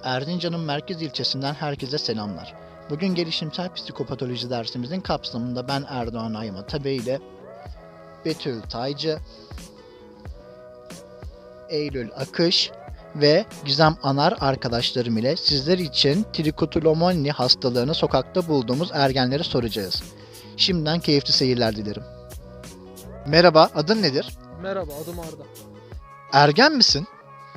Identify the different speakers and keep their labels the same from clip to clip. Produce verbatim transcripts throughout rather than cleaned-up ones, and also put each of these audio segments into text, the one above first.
Speaker 1: Erzincan'ın merkez ilçesinden herkese selamlar. Bugün gelişimsel psikopatoloji dersimizin kapsamında ben Erdoğan Ayma Tabe ile Betül Taycı, Eylül Akış ve Gizem Anar arkadaşlarım ile sizler için trikotillomani hastalığını sokakta bulduğumuz ergenlere soracağız. Şimdiden keyifli seyirler dilerim. Merhaba, adın nedir?
Speaker 2: Merhaba, adım Arda.
Speaker 1: Ergen misin?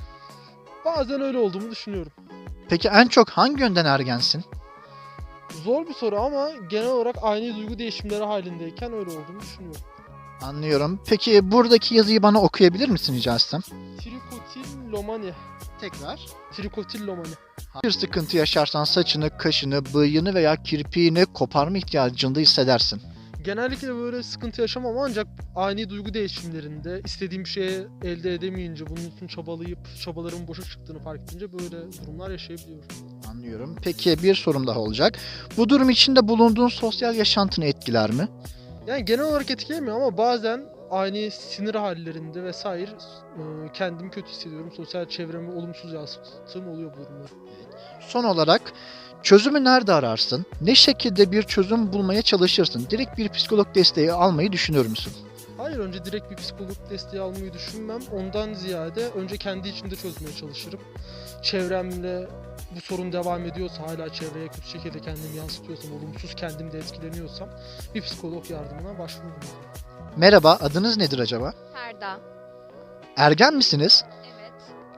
Speaker 2: Bazen öyle olduğumu düşünüyorum.
Speaker 1: Peki en çok hangi yönden ergensin?
Speaker 2: Zor bir soru ama genel olarak aynı duygu değişimleri halindeyken öyle olduğumu düşünüyorum.
Speaker 1: Anlıyorum. Peki buradaki yazıyı bana okuyabilir misin rica etsem?
Speaker 2: Trikotillomani.
Speaker 1: Tekrar.
Speaker 2: Trikotillomani.
Speaker 1: Bir sıkıntı yaşarsan saçını, kaşını, bıyığını veya kirpiğini koparma ihtiyacında hissedersin.
Speaker 2: Genellikle böyle sıkıntı yaşamam ancak ani duygu değişimlerinde istediğim bir şeye elde edemeyince, bunun için çabalayıp çabalarımın boşa çıktığını fark edince böyle durumlar yaşayabiliyorum.
Speaker 1: Anlıyorum. Peki bir sorum daha olacak. Bu durum içinde bulunduğun sosyal yaşantını etkiler mi?
Speaker 2: Yani genel olarak etkilemiyor ama bazen ani sinir hallerinde vesaire e, kendimi kötü hissediyorum. Sosyal çevreme olumsuz yansıttığım oluyor bu durumlar.
Speaker 1: Son olarak çözümü nerede ararsın? Ne şekilde bir çözüm bulmaya çalışırsın? Direkt bir psikolog desteği almayı düşünür müsün?
Speaker 2: Hayır, önce direkt bir psikolog desteği almayı düşünmem. Ondan ziyade önce kendi içimde çözmeye çalışırım. Çevremle bu sorun devam ediyorsa, hala çevreye kötü şekilde kendimi yansıtıyorsam, olumsuz kendimde etkileniyorsam bir psikolog yardımına başvururum.
Speaker 1: Merhaba, adınız nedir acaba?
Speaker 3: Ferda.
Speaker 1: Ergen misiniz?
Speaker 3: Evet.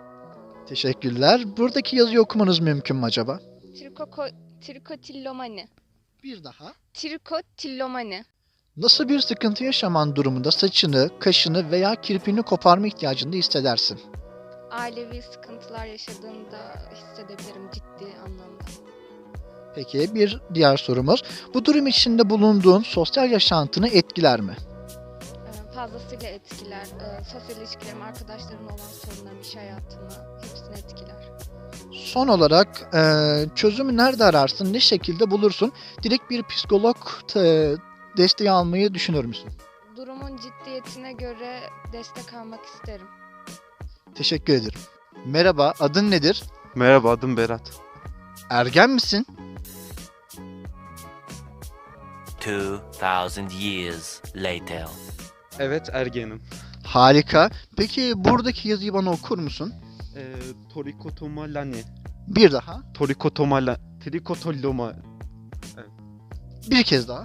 Speaker 1: Teşekkürler. Buradaki yazıyı okumanız mümkün mü acaba?
Speaker 3: Trikoko, trikotillomani.
Speaker 1: Bir daha.
Speaker 3: Trikotillomani.
Speaker 1: Nasıl bir sıkıntı yaşaman durumunda saçını, kaşını veya kirpiğini koparma ihtiyacında hissedersin?
Speaker 3: Ailevi sıkıntılar yaşadığımda hissedebilirim ciddi anlamda.
Speaker 1: Peki bir diğer sorumuz. Bu durum içinde bulunduğun sosyal yaşantını etkiler mi?
Speaker 3: Ee, Fazlasıyla etkiler. Ee, Sosyal ilişkilerim, arkadaşlarımla olan sorunlarım, iş hayatımı hepsini etkiler.
Speaker 1: Son olarak eee, çözümü nerede ararsın, ne şekilde bulursun? Direkt bir psikolog te- desteği almayı düşünür müsün?
Speaker 3: Durumun ciddiyetine göre destek almak isterim.
Speaker 1: Teşekkür ederim. Merhaba, adın nedir?
Speaker 4: Merhaba, adım Berat.
Speaker 1: Ergen misin?
Speaker 5: Two thousand years later.
Speaker 4: Evet, ergenim.
Speaker 1: Harika. Peki buradaki yazıyı bana okur musun?
Speaker 4: Ee, torikotomalani.
Speaker 1: Bir daha.
Speaker 4: Torikotomala... Trikotolloma...
Speaker 1: Bir kez daha.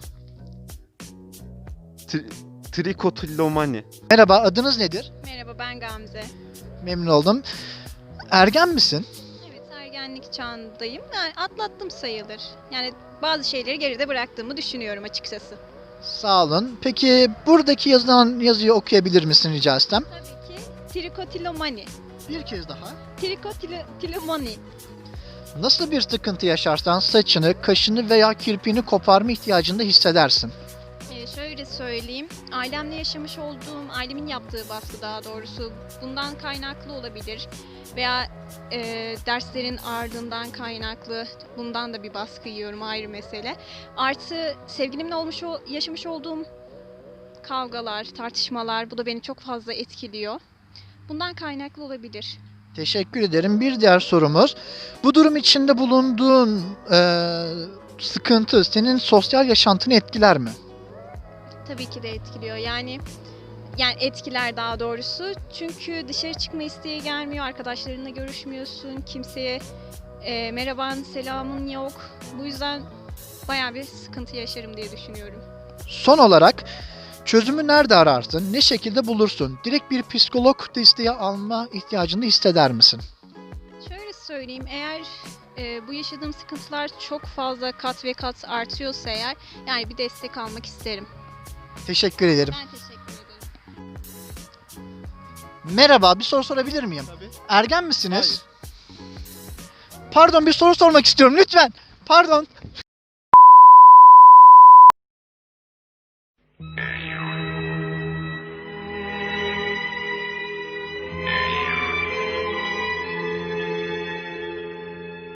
Speaker 4: Tri, trikotollomani.
Speaker 1: Merhaba, adınız nedir?
Speaker 6: Merhaba, ben Gamze.
Speaker 1: Memnun oldum. Ergen misin?
Speaker 6: Evet, ergenlik çağındayım. Yani atlattım sayılır. Yani bazı şeyleri geride bıraktığımı düşünüyorum açıkçası.
Speaker 1: Sağ olun. Peki buradaki yazılan yazıyı okuyabilir misin rica etsem?
Speaker 6: Tabii ki trikotilomani.
Speaker 1: Bir kez daha.
Speaker 6: Trikotilomani.
Speaker 1: Nasıl bir sıkıntı yaşarsan saçını, kaşını veya kirpiğini koparma ihtiyacında hissedersin?
Speaker 6: Ee, şöyle söyleyeyim. Ailemle yaşamış olduğum, ailemin yaptığı baskı daha doğrusu bundan kaynaklı olabilir. Veya e, derslerin ardından kaynaklı bundan da bir baskı yiyorum, ayrı mesele. Artı sevgilimle olmuş o- yaşamış olduğum kavgalar, tartışmalar, bu da beni çok fazla etkiliyor. Bundan kaynaklı olabilir.
Speaker 1: Teşekkür ederim. Bir diğer sorumuz. Bu durum içinde bulunduğun eee, sıkıntı senin sosyal yaşantını etkiler mi?
Speaker 6: Tabii ki de etkiliyor. Yani yani etkiler daha doğrusu. Çünkü dışarı çıkma isteği gelmiyor, arkadaşlarınla görüşmüyorsun, kimseye e, merhaban, selamın yok. Bu yüzden bayağı bir sıkıntı yaşarım diye düşünüyorum.
Speaker 1: Son olarak çözümü nerede ararsın? Ne şekilde bulursun? Direkt bir psikolog desteği alma ihtiyacını hisseder misin?
Speaker 6: Şöyle söyleyeyim, eğer e, bu yaşadığım sıkıntılar çok fazla kat ve kat artıyorsa eğer, yani bir destek almak isterim.
Speaker 1: Teşekkür ederim.
Speaker 6: Ben teşekkür ederim.
Speaker 1: Merhaba, bir soru sorabilir miyim?
Speaker 2: Tabii.
Speaker 1: Ergen misiniz? Pardon, bir soru sormak istiyorum lütfen. Pardon.